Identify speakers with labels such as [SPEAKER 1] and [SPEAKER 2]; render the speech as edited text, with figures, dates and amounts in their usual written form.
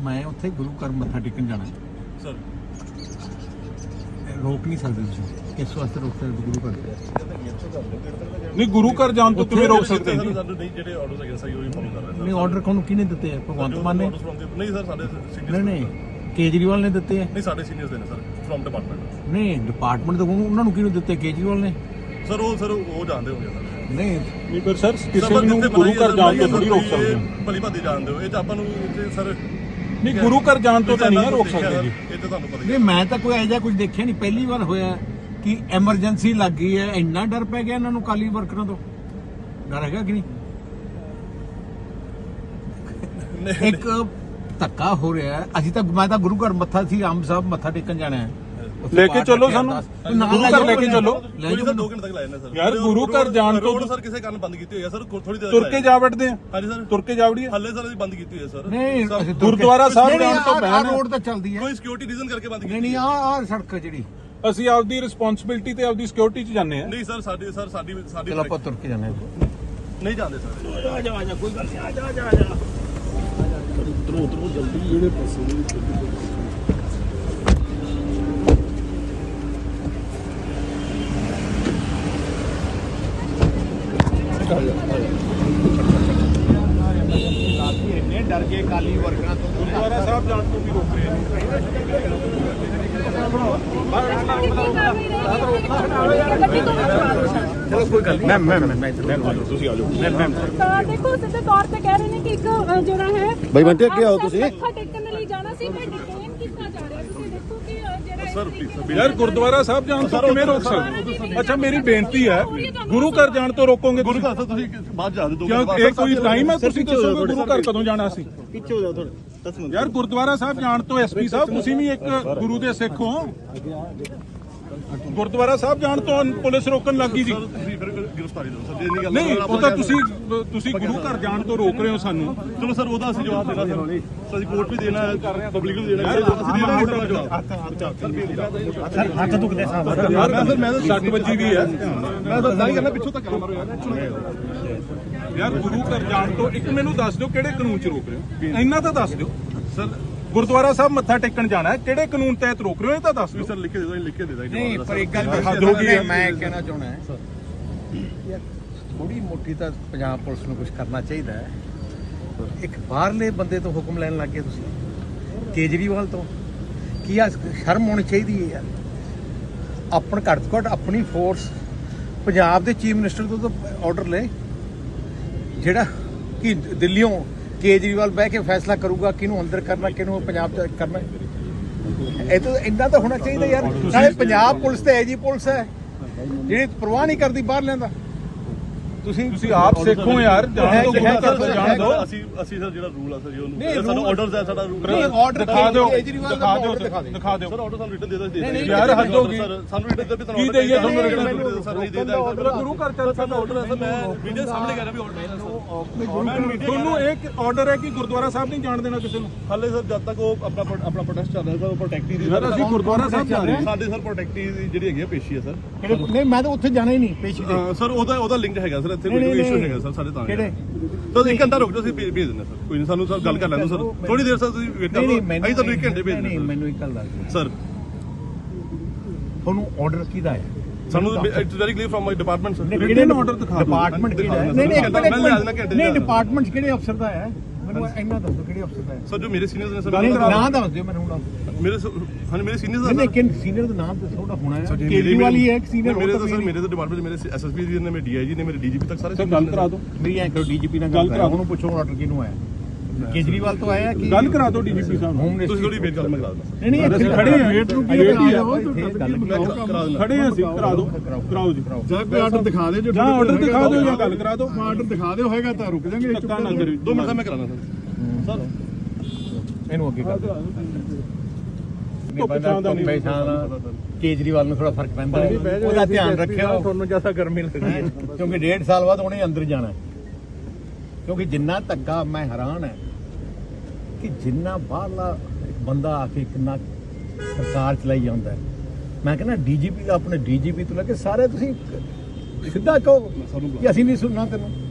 [SPEAKER 1] मैं उत्थे गुरु घर मत्था टेकन जाना
[SPEAKER 2] सर
[SPEAKER 1] रोक नहीं सकते तुसीं किस वास्ते रोक सकते गुरु घर
[SPEAKER 3] नहीं गुरु घर जान तो तुम्हें रोक सकते हैं
[SPEAKER 2] नहीं ਜਿਹੜੇ ਆਰਡਰਸ ਹੈਗੇ ਸਹੀ ਉਹੀ ਫੋਲੋ ਕਰ ਰਹੇ
[SPEAKER 1] नहीं ऑर्डर कौन किने दिते हैं भगवंत मान ने
[SPEAKER 2] ਨਹੀਂ ਸਰ ਸਾਡੇ ਸੀਨੀਅਰ
[SPEAKER 1] नहीं नहीं केजरीवाल ने दिते हैं
[SPEAKER 2] ਨਹੀਂ ਸਾਡੇ ਸੀਨੀਅਰਸ ਦੇ ਨੇ ਸਰ ਫਰਮ ਡਿਪਾਰਟਮੈਂਟ
[SPEAKER 1] नहीं डिपार्टमेंट तो उन्होंने किने दिते केजरीवाल ने
[SPEAKER 2] ਸਰ ਉਹ ਜਾਣਦੇ ਹੋਗੇ ਸਰ
[SPEAKER 1] नहीं
[SPEAKER 3] नहीं पर सर किसी ਨੂੰ ਗੁਰੂ ਘਰ ਜਾਣ ਤੋਂ ਥੋੜੀ ਰੋਕ ਸਕਦੇ
[SPEAKER 2] ਭਲੀ ਭਾਦੀ ਜਾਣਦੇ ਹੋ ਇਹ ਤਾਂ ਆਪਾਂ ਨੂੰ ਸਰ
[SPEAKER 3] नहीं गुरु घर जान तो नहीं रोक सकते जी
[SPEAKER 2] ਇਹ ਤਾਂ ਤੁਹਾਨੂੰ ਪਤਾ ਹੀ
[SPEAKER 1] नहीं मैं तो कोई ऐसा कुछ देखा नहीं पहली बार होया कि एमरजेंसी लग गई है इन्ना डर पै गया इन्होंने काली वर्करों तो डर है कि नहीं एक धक्का हो रहा है अभी तक मैं तो गुरु घर मत्था थी आम साहब मत्था टेकन जाना है
[SPEAKER 3] लेके चलो सानू गुरु घर लेके चलो
[SPEAKER 2] ਸਰ 2 ਘੰਟੇ ਤੱਕ ਲਾਇਆ ਨੇ ਸਰ
[SPEAKER 3] यार गुरु घर जान तो
[SPEAKER 2] ਸਰ ਕਿਸੇ ਕਾਰਨ ਬੰਦ ਕੀਤੀ ਹੋਈ ਹੈ ਸਰ ਥੋੜੀ ਦੇਰ
[SPEAKER 3] तुर के जा बैठते हैं
[SPEAKER 2] ਹਾਂਜੀ ਸਰ
[SPEAKER 3] तुर के जावड़ी
[SPEAKER 2] ਹੱਲੇ ਸਰ ਅਸੀਂ ਬੰਦ ਕੀਤੀ ਹੋਈ ਹੈ ਸਰ
[SPEAKER 1] नहीं
[SPEAKER 3] गुरुद्वारा साहब जान तो बैन
[SPEAKER 1] रोड तो चलती है
[SPEAKER 2] ਕੋਈ ਸਿਕਿਉਰਿਟੀ ਰੀਜ਼ਨ ਕਰਕੇ ਬੰਦ ਕੀਤੀ
[SPEAKER 1] नहीं नहीं आ सड़क है जी
[SPEAKER 3] ਅਸੀਂ ਆਪਦੀ ਰਿਸਪੌਂਸਿਬਿਲਟੀ ਤੇ ਆਪਦੀ ਸਿਕਿਉਰਿਟੀ 'ਚ ਜਾਂਦੇ ਆ
[SPEAKER 2] ਨਹੀਂ ਸਰ ਸਾਡੀ
[SPEAKER 1] चलो आप तुर के जाना है
[SPEAKER 2] ਨਹੀਂ ਜਾਂਦੇ ਸਰ
[SPEAKER 1] डर के काली वर्करों तो
[SPEAKER 3] ਗੁਰਦੁਆਰਾ ਸਾਹਿਬ ਜਾਣ ਤੋਂ ਵੀ ਰੋਕ ਰਹੇ ਨੇ
[SPEAKER 1] चलो कोई गल नहीं मैं ਤੁਸੀਂ ਆ ਜਾਓ
[SPEAKER 4] ਤਾਂ ਦੇਖੋ ਸਿੱਧੇ ਤੌਰ ਤੇ ਕਹਿ ਰਹੇ ਨੇ ਕਿ ਇੱਕ ਜਿਹੜਾ ਹੈ
[SPEAKER 5] ਬਈ ਬੰਟੇ ਅੱਗੇ ਆਓ ਤੁਸੀਂ
[SPEAKER 4] ਮੱਥਾ ਟੇਕਣ ਲਈ ਜਾਣਾ ਸੀ ਮੈਂ ਡਿਟੇਨ ਕੀਤਾ ਜਾ ਰਿਹਾ ਤੁਸੀਂ ਦੇਖੋ ਕਿ ਜਿਹੜਾ
[SPEAKER 2] ਸਰ ਪਲੀਜ਼
[SPEAKER 3] ਯਾਰ ਗੁਰਦੁਆਰਾ ਸਾਹਿਬ ਜਾਣ ਤੋਂ ਕਿਵੇਂ ਰੋਕ ਸਕਦੇ ਅੱਛਾ ਮੇਰੀ ਬੇਨਤੀ ਹੈ ਗੁਰੂ ਘਰ ਜਾਣ ਤੋਂ ਰੋਕੋਗੇ
[SPEAKER 2] ਗੁਰੂ ਘਰ ਤੋਂ ਤੁਸੀਂ ਬਾਅਦ ਜਾ ਦਿਓ
[SPEAKER 3] ਕਿਉਂ ਇਹ ਕੋਈ ਟਾਈਮ ਹੈ ਤੁਸੀਂ ਦੱਸੋਗੇ ਗੁਰੂ ਘਰ ਕਦੋਂ ਜਾਣਾ ਸੀ
[SPEAKER 5] ਪਿੱਛੇ ਹੋ ਜਾਓ ਥੋੜਾ 10 ਮਿੰਟ
[SPEAKER 3] ਯਾਰ ਗੁਰਦੁਆਰਾ ਸਾਹਿਬ ਜਾਣ ਤੋਂ ਐਸਪੀ ਸਾਹਿਬ ਤੁਸੀਂ ਵੀ ਇੱਕ ਗੁਰੂ ਦੇ ਸਿੱਖ ਹੋ ਗੁਰਦੁਆਰਾ ਸਾਹਿਬ ਜਾਣ ਤੋਂ ਪੁਲਿਸ ਰੋਕਣ ਲੱਗੀ ਜੀ
[SPEAKER 2] ਤੁਸੀਂ ਫਿਰ ਗ੍ਰਿਫਤਾਰੀ ਦਿਓ ਸਰ ਜੇ ਨਹੀਂ ਗੱਲ
[SPEAKER 3] ਨਹੀਂ ਉਹ ਤਾਂ ਤੁਸੀਂ ਗੁਰੂ ਘਰ ਜਾਣ ਤੋਂ ਰੋਕ ਰਹੇ ਹੋ ਸਾਨੂੰ
[SPEAKER 2] ਚਲੋ ਸਰ ਉਹਦਾ ਅਸੀਂ ਜਵਾਬ ਦੇਣਾ ਸਰ ਅਸੀਂ ਕੋਰਟ ਵੀ ਦੇਣਾ ਹੈ ਪਬਲਿਕ ਨੂੰ ਦੇਣਾ ਹੈ ਅਸੀਂ ਦੇਣਾ ਹੈ ਜਵਾਬ
[SPEAKER 5] ਹੱਥ ਦੁਖਦੇ ਸਾਹਿਬ
[SPEAKER 3] ਯਾਰ ਮੈਂ ਤਾਂ 60 ਵਜੇ ਵੀ ਹੈ
[SPEAKER 2] ਮੈਂ ਤਾਂ ਨਹੀਂ ਕਰਨਾ ਪਿੱਛੋਂ ਤੱਕ ਮਾਰੋ
[SPEAKER 3] ਯਾਰ ਗੁਰੂ ਘਰ ਜਾਣ ਤੋਂ ਇੱਕ ਮੈਨੂੰ ਦੱਸ ਦਿਓ ਕਿਹੜੇ ਕਾਨੂੰਨ 'ਚ ਰੋਕ ਰਹੇ ਹੋ ਇੰਨਾ ਤਾਂ ਦੱਸ ਦਿਓ ਸਰ ਗੁਰਦੁਆਰਾ ਸਾਹਿਬ ਮੱਥਾ ਟੇਕਣ ਜਾਣਾ ਹੈ ਕਿਹੜੇ ਕਾਨੂੰਨ ਤਹਿਤ ਰੋਕ ਰਹੇ ਹੋ ਇਹ ਤਾਂ ਦੱਸ ਦਿਓ
[SPEAKER 2] ਸਰ ਲਿਖ ਕੇ ਦੇ ਦੋ ਲਿਖ ਕੇ ਦੇ ਦਾਂਗੇ
[SPEAKER 1] नहीं पर एक गल
[SPEAKER 3] हद हो गई है।
[SPEAKER 1] मैं कहना चाहना है यार थोड़ी मोटी तो पंजाब पुलिस ਨੂੰ ਕੁਝ ਕਰਨਾ ਚਾਹੀਦਾ ਹੈ ਇੱਕ ਬਾਹਰਲੇ ਬੰਦੇ ਤੋਂ ਹੁਕਮ ਲੈਣ ਲੱਗ ਗਏ ਤੁਸੀਂ ਕੇਜਰੀਵਾਲ ਤੋਂ ਕੀ ਆ ਸ਼ਰਮ ਹੋਣੀ ਚਾਹੀਦੀ ਹੈ ਯਾਰ ਆਪਣ ਘੱਟ ਤੋਂ ਘੱਟ ਆਪਣੀ ਫੋਰਸ ਪੰਜਾਬ ਦੇ ਚੀਫ ਮਿਨਿਸਟਰ ਤੋਂ ਤਾਂ ਆਰਡਰ ਲੈ ਜਿਹੜਾ ਕਿ ਦਿੱਲੀੋਂ ਕੇਜਰੀਵਾਲ ਬਹਿ ਕੇ ਫੈਸਲਾ ਕਰੂਗਾ ਕਿਹਨੂੰ ਅੰਦਰ ਕਰਨਾ ਕਿਹਨੂੰ ਪੰਜਾਬ ਚ ਕਰਨਾ ਇਹ ਤਾਂ ਇੰਨਾ ਤਾਂ ਹੋਣਾ ਚਾਹੀਦਾ ਯਾਰ ਨਾਲੇ ਪੰਜਾਬ ਪੁਲਿਸ ਤੇ ਐਜੀ ਪੁਲਿਸ ਹੈ ਜਿਹੜੀ ਪਰਵਾਹ ਨਹੀਂ ਕਰਦੀ ਬਾਹਰ ਲੈਂਦਾ
[SPEAKER 3] ਤੁਸੀਂ ਆਪ ਸਿੱਖੋ ਯਾਰ ਜਾਣ ਤੋਂ ਗੁਰੂ ਘਰ ਤੋਂ ਜਾਣ ਦਿਓ
[SPEAKER 2] ਅਸੀਂ ਸਰ ਜਿਹੜਾ ਰੂਲ ਆ ਸਰ ਜੀ ਉਹਨੂੰ ਸਾਡਾ ਆਰਡਰਸ ਹੈ ਸਾਡਾ ਰੂਲ
[SPEAKER 1] ਆਰਡਰ
[SPEAKER 3] ਦਿਖਾ ਦਿਓ
[SPEAKER 1] ਕੇਜਰੀਵਾਲ ਦਾ order ਦਿਖਾ ਦਿਓ
[SPEAKER 3] ਦਿਖਾ ਦਿਓ
[SPEAKER 2] ਸਰ ਆਰਡਰ ਸਾਨੂੰ ਰਿਟਨ ਦੇ ਦੋ
[SPEAKER 3] ਯਾਰ ਹੱਦ ਹੋ ਗਈ
[SPEAKER 2] ਸਾਨੂੰ ਰਿਟਨ ਦੇ ਵੀ ਤੁਹਾਨੂੰ
[SPEAKER 3] ਕੀ ਦੇਈਏ ਤੁਹਾਨੂੰ ਰਿਟਨ
[SPEAKER 2] ਸਰ ਨਹੀਂ ਦੇਦਾ
[SPEAKER 3] ਗੁਰੂ ਘਰ ਚੱਲ
[SPEAKER 2] ਸਾਡਾ ਆਰਡਰ ਹੈ ਸਰ ਮੈਂ ਵੀਡੀਓ ਸਾਹਮਣੇ ਕਰ ਰਿਹਾ ਵੀ ਆਰਡਰ ਹੈ
[SPEAKER 3] ਤੁਹਾਨੂੰ ਇੱਕ ਆਰਡਰ ਹੈ ਕਿ ਗੁਰਦੁਆਰਾ ਸਾਹਿਬ ਨਹੀਂ ਜਾਣ ਦੇਣਾ ਕਿਸੇ ਨੂੰ
[SPEAKER 2] ਹਾਲੇ ਸਰ ਜਦ ਤੱਕ ਉਹ ਆਪਣਾ ਪ੍ਰੋਟੈਸਟ ਚੱਲ ਰਿਹਾ ਸਰ ਉਹ ਪ੍ਰੋਟੈਕਟੀ ਦੀ
[SPEAKER 3] ਯਾਰ ਅਸੀਂ ਗੁਰਦੁਆਰਾ ਸਾਹਿਬ ਜਾ ਰਹੇ ਹਾਂ
[SPEAKER 2] ਸਾਡੇ ਸਰ ਪ੍ਰੋਟੈਕਟੀ ਦੀ ਜਿਹੜੀ ਹੈਗੀ ਪੇਸ਼ੀ ਹੈ ਸਰ
[SPEAKER 1] ਨਹੀਂ ਮੈਂ ਤਾਂ ਉੱਥੇ ਜਾਣਾ ਹੀ ਨਹੀਂ ਪੇਸ਼ੀ ਤੇ
[SPEAKER 2] ਸਰ ਉਹਦਾ ਲਿੰਕ ਹੈਗਾ ਸਰ ਇੱਥੇ ਕੋਈ ਇਸ਼ੂ ਹੈਗਾ ਸਰ ਸਾਡੇ ਤਾਂ
[SPEAKER 1] ਕਿਹੜੇ
[SPEAKER 2] ਤਾਂ 1 ਘੰਟਾ ਰੁਕ ਜਾਓ ਅਸੀਂ ਭੇਜ ਦਿੰਦੇ ਸਰ ਕੋਈ ਨਹੀਂ ਸਾਨੂੰ ਸਰ ਗੱਲ ਕਰ ਲੈਣ ਦਿਓ ਸਰ ਥੋੜੀ ਦੇਰ ਸਰ ਤੁਸੀਂ ਵੇਟ ਕਰੋ ਅਸੀਂ ਤੁਹਾਨੂੰ 1 ਘੰਟੇ ਭੇਜ
[SPEAKER 1] ਨਹੀਂ
[SPEAKER 2] ਦਿੰਦੇ
[SPEAKER 1] ਮੈਨੂੰ ਇੱਕ ਗੱਲ ਦੱਸ
[SPEAKER 2] ਸਰ
[SPEAKER 1] ਤੁਹਾਨੂੰ ਆਰਡਰ ਕਿਹਦਾ ਹੈ
[SPEAKER 2] ਸਾਨੂੰ it's very clear from my department sir
[SPEAKER 3] written order ਦਿਖਾ ਦਿਓ
[SPEAKER 1] ਡਿਪਾਰਟਮੈਂਟ ਕਿਹੜਾ ਹੈ ਨਹੀਂ ਨਹੀਂ ਡਿਪਾਰਟਮੈਂਟ ਕਿਹੜੇ ਅਫਸਰ ਦਾ ਹੈ ਮੈਨੂੰ ਇੰਨਾ ਦੱਸੋ ਕਿਹੜੇ ਅਫਸਰ ਦਾ ਹੈ
[SPEAKER 2] ਸਰ ਜੋ ਮੇਰੇ ਸੀਨੀਅਰਸ ਨੇ ਸਰ
[SPEAKER 1] ਨਾਮ ਦੱਸ ਦਿਓ ਮੈਨੂੰ ਹੁਣ
[SPEAKER 2] ਮੇਰੇ ਹਾਂਜੀ ਮੇਰੇ ਸੀਨੀਅਰਸ
[SPEAKER 1] ਨਹੀਂ ਕਿ ਸੀਨੀਅਰ ਦਾ ਨਾਮ ਦੱਸੋ ਉਹਦਾ ਹੋਣਾ ਹੈ ਕੇਜਰੀਵਾਲ ਹੀ ਹੈ ਇੱਕ ਸੀਨੀਅਰ
[SPEAKER 2] ਮੇਰੇ ਤਾਂ ਸਰ ਮੇਰੇ ਤਾਂ ਡਿਪਾਰਟਮੈਂਟ ਮੇਰੇ ਐਸਐਸਪੀ ਜੀ ਨੇ ਮੇਰੇ ਡੀਆਈਜੀ ਨੇ ਮੇਰੇ ਡੀਜੀਪੀ ਤੱਕ ਸਾਰੇ
[SPEAKER 3] ਗੱਲ ਕਰਾ ਦਿਓ
[SPEAKER 1] ਮੇਰੀ ਐਂ ਕਰੋ ਡੀਜੀਪੀ ਨਾਲ ਗੱਲ ਕਰਾ ਉਹਨੂੰ ਪੁੱਛੋ ਆਰਡਰ ਕਿਹਨੂੰ ਆਇਆ ਕੇਜਰੀਵਾਲ ਤੋਂ ਆਇਆ ਕਿ
[SPEAKER 3] ਗੱਲ ਕਰਾ ਦਿਓ ਡੀਜੀਪੀ ਸਾਹਿਬ ਨੂੰ
[SPEAKER 2] ਤੁਸੀਂ ਥੋੜੀ ਵੇਟ ਕਰ ਮੈਂ ਕਰਾ ਦਿੰਦਾ
[SPEAKER 1] ਨਹੀਂ ਨਹੀਂ
[SPEAKER 3] ਅਸੀਂ ਖੜੇ ਹਾਂ ਵੇਟ ਨੂੰ ਕੀ
[SPEAKER 1] ਗੱਲ
[SPEAKER 2] ਕਰਾ ਦਿੰਦਾ
[SPEAKER 3] ਖੜੇ ਹਾਂ ਅਸੀਂ ਕਰਾ ਦਿਓ ਕਰਾਓ ਜੀ
[SPEAKER 5] ਜਾਂ ਕੋਈ ਆਰਡਰ ਦਿਖਾ ਦੇ ਜੋ
[SPEAKER 3] ਜਾਂ ਆਰਡਰ ਦਿਖਾ ਦਿਓ ਜਾਂ ਗੱਲ ਕਰਾ ਦਿਓ
[SPEAKER 5] ਆਰਡਰ ਦਿਖਾ ਦਿਓ ਹੋਏਗਾ ਤਾਂ ਰੁਕ ਜਾਾਂਗੇ
[SPEAKER 3] ਧੱਕਾ ਨਾ ਕਰਿਓ
[SPEAKER 2] 2 ਮਿੰਟ ਦਾ ਮੈਂ ਕਰਾਣਾ ਸਰ
[SPEAKER 1] ਇਹਨੂੰ ਅੱਗੇ ਕਰ ਕੇਜਰੀਵਾਲ ਨੂੰ ਥੋੜਾ ਫਰਕ ਪੈਂਦਾ ਉਹਦਾ ਧਿਆਨ ਰੱਖਿਓ ਤੁਹਾਨੂੰ ਜਿਆਦਾ ਗਰਮੀ ਲੱਗਦੀ ਹੈ ਕਿਉਂਕਿ 1.5 ਸਾਲ ਬਾਅਦ ਉਹਨੇ ਅੰਦਰ ਜਾਣਾ ਕਿਉਂਕਿ ਜਿੰਨਾ ਧੱਕਾ ਮੈਂ ਹੈਰਾਨ ਹੈ ਕਿ ਜਿੰਨਾ ਬਾਹਰਲਾ ਬੰਦਾ ਆ ਕੇ ਕਿੰਨਾ ਸਰਕਾਰ ਚਲਾਈ ਜਾਂਦਾ ਮੈਂ ਕਹਿੰਦਾ ਡੀਜੀਪੀ ਆਪਣੇ ਡੀਜੀਪੀ ਤੋਂ ਲੈ ਕੇ ਸਾਰੇ ਤੁਸੀਂ ਸਿੱਧਾ ਕਹੋ ਕਿ ਅਸੀਂ ਨਹੀਂ ਸੁਣਨਾ ਤੈਨੂੰ